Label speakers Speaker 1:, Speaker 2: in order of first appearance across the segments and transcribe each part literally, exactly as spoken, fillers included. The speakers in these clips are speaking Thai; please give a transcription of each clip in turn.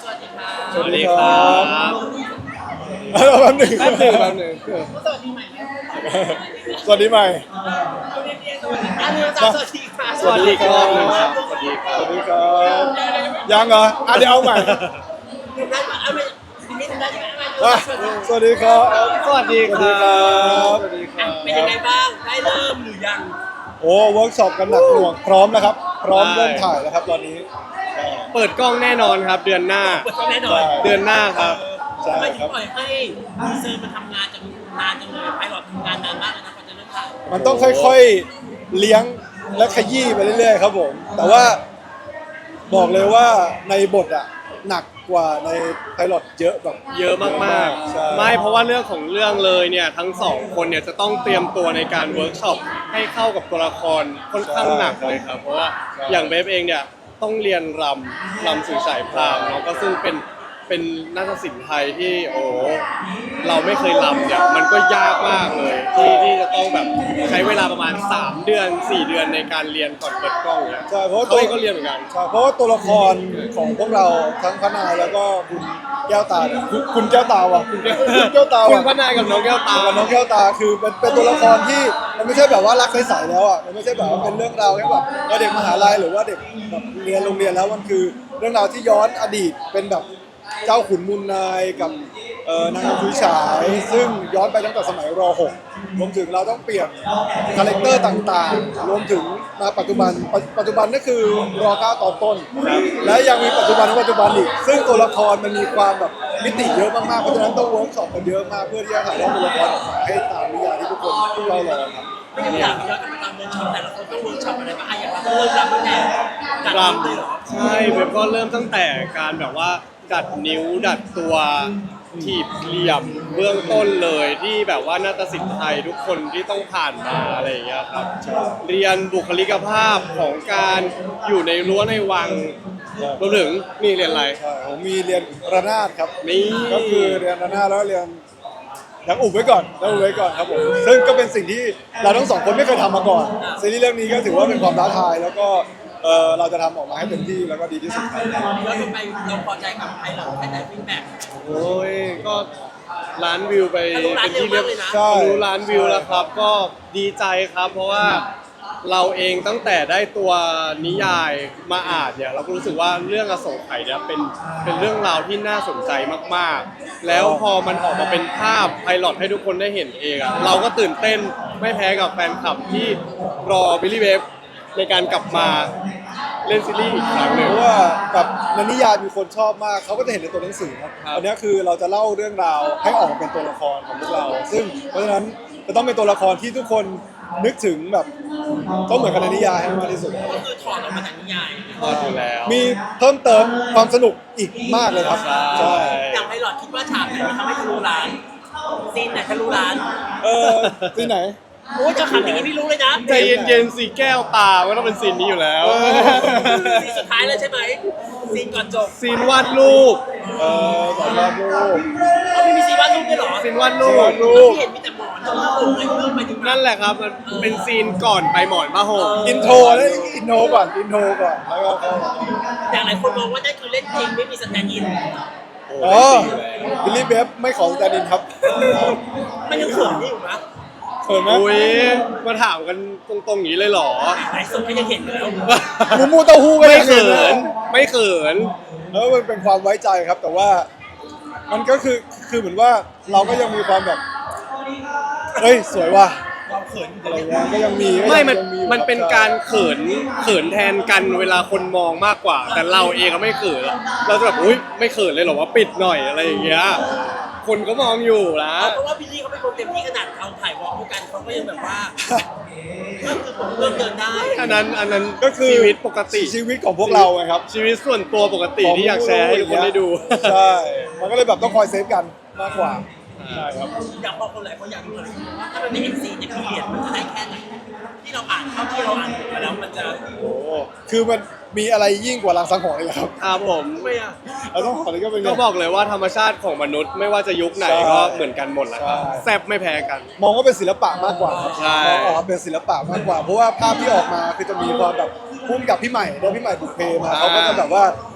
Speaker 1: สวัสดีครับ
Speaker 2: สวัสดีครับ
Speaker 3: แป๊บหนึ่ง
Speaker 2: แป๊บหนึ่งแป๊บหนึ่ง
Speaker 1: สวัสดีใหม่ไหม
Speaker 3: สวัสดีใหม่
Speaker 1: สวัสดีพี่สวัสดีอันนี้สวัสดีค่ะ
Speaker 2: สวัสดีครับสวัสดีค
Speaker 3: ส
Speaker 2: รับ
Speaker 3: วัสดีครับยังเหรออ่ะเดี๋ยวเอาใหม่
Speaker 1: ทำได้ไหมเอาไม่ทีนี้ทำได้ไหม
Speaker 3: อ่ะสวัสดีครับ
Speaker 2: สวัสดี
Speaker 3: สวัส
Speaker 2: ค
Speaker 3: ดี
Speaker 2: รั
Speaker 3: ครับ
Speaker 2: บ
Speaker 3: สวัสดีครั
Speaker 1: เป็นยังไง
Speaker 3: บ
Speaker 1: บ้างได้เริ่มหรือยัง
Speaker 3: โอ้เวิร์กช็อปกันหนักหน่วงพร้อมแล้วครับ พร้อมเริ่มถ่ายแล้วครับตอนนี้
Speaker 2: เปิดกล้องแน่นอนครับเดือนหน้า
Speaker 1: เปิดต้องแน่นอน
Speaker 2: เดือนหน้าครับ
Speaker 3: ใช่
Speaker 1: ทำไม
Speaker 3: ค
Speaker 1: ถึ
Speaker 3: รั
Speaker 1: ง
Speaker 3: บ
Speaker 1: ปล่อยให้ดีเซอร์มันทำงานจังนานจังเลยไพลอตทำงานนานมากเลยนะกว่าจะเริ่มถ่าย
Speaker 3: มันต้องค่อยๆเลี้ยงและขยี้ไปเรื่อยๆครับผม แต่ว่าบอกเลยว่าในบทอะหนักกว่าในไพลอตเยอะแบบ
Speaker 2: เยอะมาก
Speaker 3: ใช่
Speaker 2: ๆ ไม่เพราะว่าเรื่องของเรื่องเลยเนี่ยทั้งสองคนเนี่ยจะต้องเตรียมตัวในการเวิร์กช็อปให้เข้ากับตัวละครค่อนข้างหนักเลยครับเพราะว่าอย่างเบฟเองเนี่ยต้องเรียนรำรำสื่อสายพรามเนาะก็ซึ่งเป็นเป็นนาฏศิลป์ไทยที่โอ้เราไม่เคยรำเนี่ยมันก็ยากมากเลยที่ที่จะต้องแบบใช้เวลาประมาณสามเดือนสี่เดือนในการเรียนก่อนเปิดกล้องเนี่ย
Speaker 3: ใช่เพราะว่า
Speaker 2: เขา
Speaker 3: ตัว
Speaker 2: เองก็เรียนเหมือนกัน
Speaker 3: ใช่เพราะว่าตัวละครของพวกเราทั้งพระนายแล้วก็คุณแก้วตาเนี่ยคุณคุณแก้วตาว่ะคุณแก้วคุณแก้วตา
Speaker 2: คุณ
Speaker 3: ว่ะ
Speaker 2: พระนายกับน้องแก้วตา
Speaker 3: กับน้องแก้วตาคือเป็นเป็นตัวละครที่มันไม่ใช่แบบว่ารักใสๆแล้วอ่ะมันไม่ใช่แบบว่าเป็นเรื่องราวแค่แบบว่าเด็กมหาลัยหรือว่าเด็กแบบเรียนโรงเรียนแล้วมันคือเรื่องราวที่ย้อนอดีตเป็นแบบเจ้าขุนมูลนายกับเอ่อนางคุยฉายซึ่งย้อนไปตั้งแต่สมัยร .หก รวมถึงเราต้องเปลี่ยนคาแรคเตอร์ต่างๆ รวมถึงมาปัจจุบันปัจปัจจุบันนั่นคือร เก้า ตอนต้น และยังมีปัจจุบันและปัจจุบันอีกซึ่งตัวละครมันมีความแบบมิติเยอะมากๆเพราะฉะนั้นต้องเวิร์กช็อปกันเยอะมากเพื่อที่จะถ่ายทอดตัวละครออกมาให้ตามนิยายที่ทุกคนเฝ้ารอครับ
Speaker 1: ไม่งั้นอยากย้อนกลับไปตามเวิร์กช็อปแต่ละคนต้องเวิร์กช็อปอะไรบ้างอ่ะอย่างเราเริ่มรำตั้งแต่จัด
Speaker 2: ร
Speaker 1: รำเลยเหรอ
Speaker 2: ำใช่เว็บก็เริ่มตั้งแต่การแบบว่าดัดนิ้วดัดตัวถีบเหลี่ยมเบื้องต้นเลยที่แบบว่านาฏศิลป์ไทยทุกคนที่ต้องผ่านมาอะไรอย่างเงี้ยครับเรียนบุคลิกภาพของการอยู่ในรั้วในวังรวมถึงนี่เรียนอะไร
Speaker 3: ใช่ผมมีเรียนระนาดครับ
Speaker 2: นี่
Speaker 3: ก็คือเรียนระนาดแล้วเรียนยังอุบไว้ก่อนยังอุบไว้ก่อนครับผมซึ่งก็เป็นสิ่งที่เราทั้งสองคนไม่เคยทำมาก่อนซีรีส์เรื่องนี้ก็ถือว่าเป็นความท้าทายแล้วก็เออเราจะทำออกมาให้เต็มที่แล้วก็ดีที่สุดครับ
Speaker 1: ย้อนกลับไปเราพอใจกับไพลอตแค่ไหนฟีดแบ็ก
Speaker 2: โอ้ยก็ล้านวิวไป
Speaker 1: ทะลุล้าน
Speaker 2: เป็นที่เรียบ
Speaker 1: เร็วมากเลยนะ
Speaker 3: ใช่
Speaker 2: ทะลุล้านวิวแล้วครับ ก็ดีใจครับ เพราะว่าเราเองตั้งแต่ได้ตัวนิยายมาอ่านเนี่ยเราก็รู้สึกว่าเรื่องอโศกไข่เนี่ยเป็นเป็นเรื่องราวที่น่าสนใจมากๆ แล้วพอมันออกมาเป็นภาพไพลอตให้ทุกคนได้เห็นเองอะเราก็ตื่นเต้นไม่แพ้กับแฟนคลับที่รอบิลลี่เวฟในการกลับมาเล่นซีรีส์อีกครั้งหนึ่ง
Speaker 3: เพราะว่าแบบในนิยายมีคนชอบมากเขาก็จะเห็นในตัวหนังสือครับ
Speaker 2: ครับ
Speaker 3: อันนี้คือเราจะเล่าเรื่องราวให้ออกมาเป็นตัวละครของพวกเรา ซึ่งเพราะฉะนั้นจะต้องเป็นตัวละครที่ทุกคนนึกถึงแบบต้องเหมือนกันในนิยายให้มากที่สุด
Speaker 1: ก็คือถอดออกมาจากนิยาย
Speaker 2: พออยู่แล้ว
Speaker 3: มีเพิ่มเติมความสนุกอีกมากเลยครับ
Speaker 2: ใช่
Speaker 3: ใช่
Speaker 1: อย่างไพลอตคิดว่าฉากไหนมันทำให้ทะลุล้านซีนไหนทะลุล้าน
Speaker 3: เออที่ไหน
Speaker 1: โอ้ยจะขำอย่างนี้พี่รู้เลยนะ
Speaker 2: ใจเย็นๆสีแก้วตาก็ต้องเป็นซีนนี้อยู่แล้ว
Speaker 1: ซีนสุดท้ายเลยใช่ไหมซีนก่อนจบ
Speaker 2: ซีนวาดรูป
Speaker 3: เออสอนวาดรูป
Speaker 1: เอาพี่มีซีนวาดรูปด้วยเหรอ
Speaker 2: ซีนวาดรูป
Speaker 3: วาดรูป
Speaker 1: พี่เห็นมีแต่หมอนแล้วก็ผมเลยเริ่มไปถึง
Speaker 2: นั่นแหละครับมันเป็นซีนก่อนไปหมอนผ้าห่ม
Speaker 3: อินโทรแล้วอินโทรก่อนอินโทรก่อนแล้วก็เข้า
Speaker 1: อย่างหลายคนมองว่านั่นคือเล่นจริงไม่มีสแตนด์อิน
Speaker 3: อ๋อบิลลี่เบฟไม่ขอสแตนดินครับ
Speaker 1: มันยังเขินอยู่นะ
Speaker 3: เขินไหม
Speaker 2: อุ้ยมาถามกันตรงๆอย่างนี้เลยเหรอ
Speaker 1: หลายคนก็ยังเห็นอยู่แล้ว
Speaker 3: หมูมูเต้าหู้ก็
Speaker 2: ไม่
Speaker 3: ยัง
Speaker 2: เขิ
Speaker 3: ห็ะ
Speaker 2: นไม่เขิน
Speaker 3: แล้วมันเป็นความไว้ใจครับ แต่ว่ามันก็คือคือเหมือนว่าเราก็ยังมีความแบบเฮ้ยสวยว่ะ
Speaker 1: เราเขินอยู่
Speaker 3: อะไรเงี้ยก็ยังมีก็
Speaker 2: ไม่
Speaker 3: ยัง
Speaker 2: มัน
Speaker 3: ยังอยู่
Speaker 2: มันเป็น
Speaker 3: คบ
Speaker 2: การเขินเขินแทนกันเวลาคนมองมากกว่า แต่เราเองก็ไม่เขินอะเราจะแบบอุ้ยไม่เขินเลยเหรอว่าปิดหน่อยอะไรอย่างเงี้ยคนก็มองอยู่นะ
Speaker 1: เพราะว่าบิลลี่เขาเป็นคนเต็มที่ขนาดเราถ่ายวอล์กด้วยกันเขาก็ยังแบบว่าก็คือผมเริ่มเดินได้
Speaker 2: อันนั้นอันนั้น
Speaker 3: ก็คือ
Speaker 2: ชีวิตปกติ
Speaker 3: ชีวิตของพวกเราไงครับ
Speaker 2: ชีวิตส่วนตัวปกติที่อยากแชร์ให้ทุกคนได้ดู
Speaker 3: ใช่ มันก็เลยแบบต้องคอยเซฟกันมากกว่าใช่ครับ
Speaker 1: อยากบอกคนหลายคนอยากรู้เลยว่าถ้ามันเป็นเอ็นซีเนี่ยพีเรียดมันจะได้แค่ไหนที่เราอ่านเท่าที่เราอ่านมาแล้วมันจะ
Speaker 3: โอ้คือมันมีอะไรยิ่งกว่ารังสังหรณ์เลยครับ
Speaker 2: ครับผม
Speaker 1: ทำไมอ่ะ
Speaker 3: เราต้องขอนี้ก็เป็นไง
Speaker 2: ก็บอกเลยว่าธรรมชาติของมนุษย์ไม่ว่าจะยุคไหน
Speaker 3: ใช่
Speaker 2: ก็เหมือนกันหมดแหละครับ
Speaker 3: ใช่
Speaker 2: แซบไม่แพ้กัน
Speaker 3: มองว่าเป็นศิลปะมากกว่าครับ
Speaker 2: ใช่
Speaker 3: มองออกมาเป็นศิลปะมากกว่า เพราะว่าภาพที่ออกมาคือจะมีความแบบพุ่มกับพี่ใหม่แล้วพี่ใหม่บุกเพมา
Speaker 2: อ่า
Speaker 3: เขาก็จะแบบว่า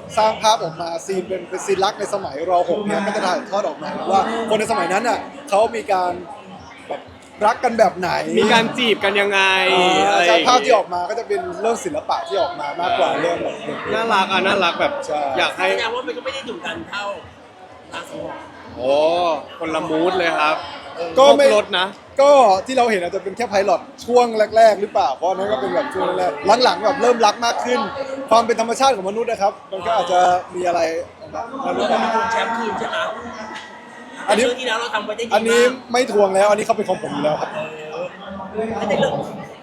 Speaker 3: สร้างภาพออกมาซีนเป็นเป็นซีนรักในสมัยรหกเนี่ยก็จะถ่ายทอดออกมาว่าคนในสมัยนั้นอ่ะเขามีการแบบรักกันแบบไหน
Speaker 2: มีการจีบกันยังไง
Speaker 3: อ่า
Speaker 2: อะไรอ
Speaker 3: ใช่
Speaker 2: ย่าง
Speaker 3: ภาพที่
Speaker 2: งี้
Speaker 3: ออกมาก็จะเป็นเรื่องศิลปะที่ออกมามากกว่าเรื่องแบบ
Speaker 2: น่ารักอ่ะน่ารักแบบ
Speaker 3: ใช่
Speaker 2: อยากให้
Speaker 1: แสดงว่ามันก็ไม่ได้ดุดันเท่าตาสมอง
Speaker 2: โอ้คนละมูดเลยครับ
Speaker 3: ก็ไม่
Speaker 2: ครบรถนะ
Speaker 3: ก็ที่เราเห็นอาจจะเป็นแค่ไพลอตช่วงแรก ๆ หรือเปล่าเพราะอันนั้นก็เป็นแบบช่วงแรกๆหลังๆแบบเริ่มรักมากขึ้น ความเป็นธรรมชาติของมนุษย์นะครับ มันก็อาจจะมีอะไรนะรู้
Speaker 1: เรา
Speaker 3: ไหม
Speaker 1: เป็นคนแชมป์คืนใช่ไหม
Speaker 3: อันนี้
Speaker 1: เรื่องที่แล้วเราทำไว้ได้ดีมาก
Speaker 3: อันนี้ไม่ทวงแล้วอันนี้เขาเป็นของผมอยู่แล้วครับ
Speaker 1: ไม่ได้เรื่อง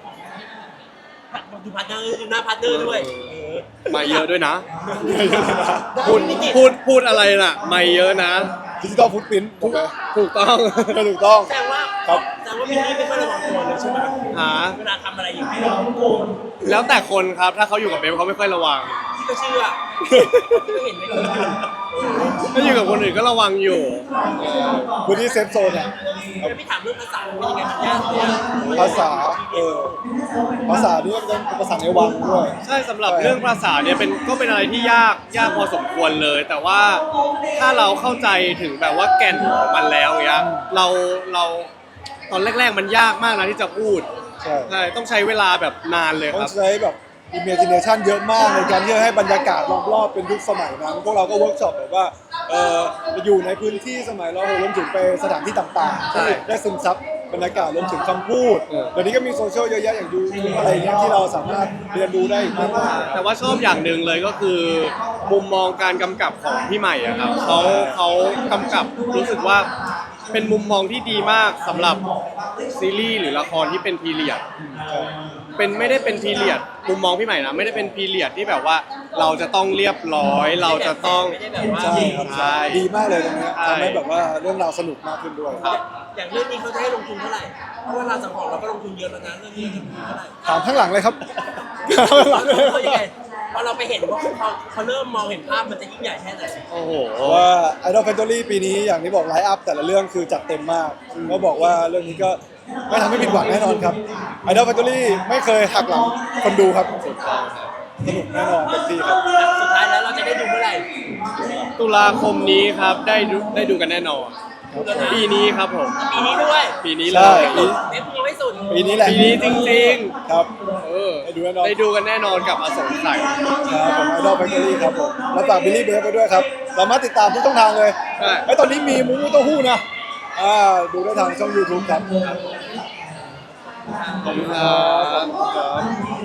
Speaker 1: ดูพาร์ทเนอร์ดูหน้าพาร์ทเนอร์ด้วยเออ
Speaker 2: มาเยอะด้วยนะ พูดพูดพูดอะไรน่ะ ไม่เยอะนะ
Speaker 3: ดิจิตอลฟุตพิ้นถูกไหม
Speaker 2: ถูกต้อง
Speaker 3: ถูกต้อง
Speaker 1: แสดงว่า
Speaker 3: ครับ
Speaker 1: แสดงว่าพี่นี่ไม่ค่อยระวังตัวเลยใช่ไหม
Speaker 2: หา
Speaker 1: เวลาทำอะไรอย่างนี้
Speaker 2: แล้วแต่คนครับ ถ้าเขาอยู่กับเบฟเขาไม่ค่อยระวัง
Speaker 1: พี่ก็เชื่อพี่ก็เห็นในคลิปอยู่
Speaker 2: ถ้าอยู่กับคนอื่นก็ระวังอยู่
Speaker 3: พื้นที่เซฟโซนอ่ะ
Speaker 1: แล้วพี่ถามเรื่องภาษาเป็นยังไงมันยากไหม
Speaker 3: ภาษาเออภาษานี่ก็เป็นภาษาในวังด้วย
Speaker 2: ใช่สำหรับเรื่องภาษาเนี่ยเป็นก็เป็นอะไรที่ยากยากพอสมควรเลย แต่ว่าถ้าเราเข้าใจถึงแบบว่าแก่นของมันแล้วเนี้ยเราเราตอนแรก ๆ มันยากมากนะที่จะพูด
Speaker 3: ใช่
Speaker 2: ใช่ต้องใช้เวลาแบบนานเลย
Speaker 3: ต้อ
Speaker 2: ค
Speaker 3: ง
Speaker 2: รับ
Speaker 3: ใช้แบบ imagination เยอะมากในการที่จะให้บรรยากาศรอบๆเป็นยุคสมัยนั้น พวกเราก็เวิร์กช็อปแบบว่าเอออยู่ในพื้นที่สมัยเรารวมถึงไปสถานที่ต่างๆ
Speaker 2: ใช่
Speaker 3: ที่ได้ซึมซับบรรยากาศรวมถึงคำพูด
Speaker 2: เออ
Speaker 3: เดี๋ยวนี้ก็มีโซเชียลเยอะแยะอย่างยูทูบอะไรเงี้ยที่เราสามารถเรียนรู้ได้อีกมากมาย
Speaker 2: แต่ว่าชอบอย่างหนึ่งเลยก็คือ มุมมองการกำกับของพี่ใหม่อะครับเขาเขากำกับรู้สึกว่าเป็นมุมมองที่ดีมากสำหรับซีรีส์หรือละครที่เป็นพีเรียด เป็นไม่ได้เป็นพีเรียดมุมมองพี่ใหม่นะไม่ได้เป็นพีเรียดที่แบบว่าเราจะต้องเรียบร้อย เราจะต้อง
Speaker 1: ไม่ได้แบบว่า
Speaker 3: ใช่ครับ
Speaker 2: ใช่
Speaker 3: ดีมากเลยตรงเนี้ย
Speaker 2: ใช่
Speaker 3: ทำให้แบบว่าเรื่องราวสนุกมากขึ้นด้วย
Speaker 2: ครับ
Speaker 1: อย่างเรื่องนี้เขาจะให้ลงทุนเท่าไหร่เพราะว่าเราสังหรณ์เราก็ลงทุนเยอะแล้วนะเรื่องนี้ลงทุนเท่าไหร่
Speaker 3: ถามข้างหลังเลยครับ ถามข้างหลังเลย
Speaker 1: เขายังไงพอเราไปเห็นว่าเขาเขาเริ่มมองเห็นภาพมันจะยิ่งใหญ่แค่ไหน
Speaker 2: โอ้โห
Speaker 3: ว่า Idol Factory ปีนี้อย่างที่บอกไลฟ์อัพแต่ละเรื่องคือจัดเต็มมากก็บอกว่าเรื่องนี้ก็ไม่ทำให้ผิดหวังแน่นอนครับ Idol Factory ไม่เคยหักหลังคนดูครับสนุกแน่นอนเต็มที่ครับ
Speaker 1: สุดท้ายแล้วเราจะได้ดูเมื่อไหร่
Speaker 2: ตุลาคมนี้ครับได้ดูได้ดูกันแน่นอน
Speaker 1: ดูแล้วนะ
Speaker 2: ปีนี้ครับผม
Speaker 1: ปีนี้ด้วย
Speaker 2: ปีนี้เล
Speaker 3: ใช่
Speaker 2: ย
Speaker 3: ปี
Speaker 1: เน็ตยังไม่สุด
Speaker 3: ปีนี้แหละ
Speaker 2: ปีนี้จริง
Speaker 3: ครับ
Speaker 2: ๆ เออ
Speaker 3: ได้ดูแน่นอน
Speaker 2: ได้ดูกันแน่นอนกับอสงไขย
Speaker 3: ครับผม Idol Factory ครับผมแล้วฝากบิลลี่เบฟไปด้วยครับสามารถติดตามทุกช่องทางเลย
Speaker 2: ใช่
Speaker 3: ไอ้ยตอนนี้มีมูมูเต้าหู้นะอ่าดูได้ทางช่อง YouTube ครับ
Speaker 2: ขอบคุณครั
Speaker 3: ขอบบ คุณครับ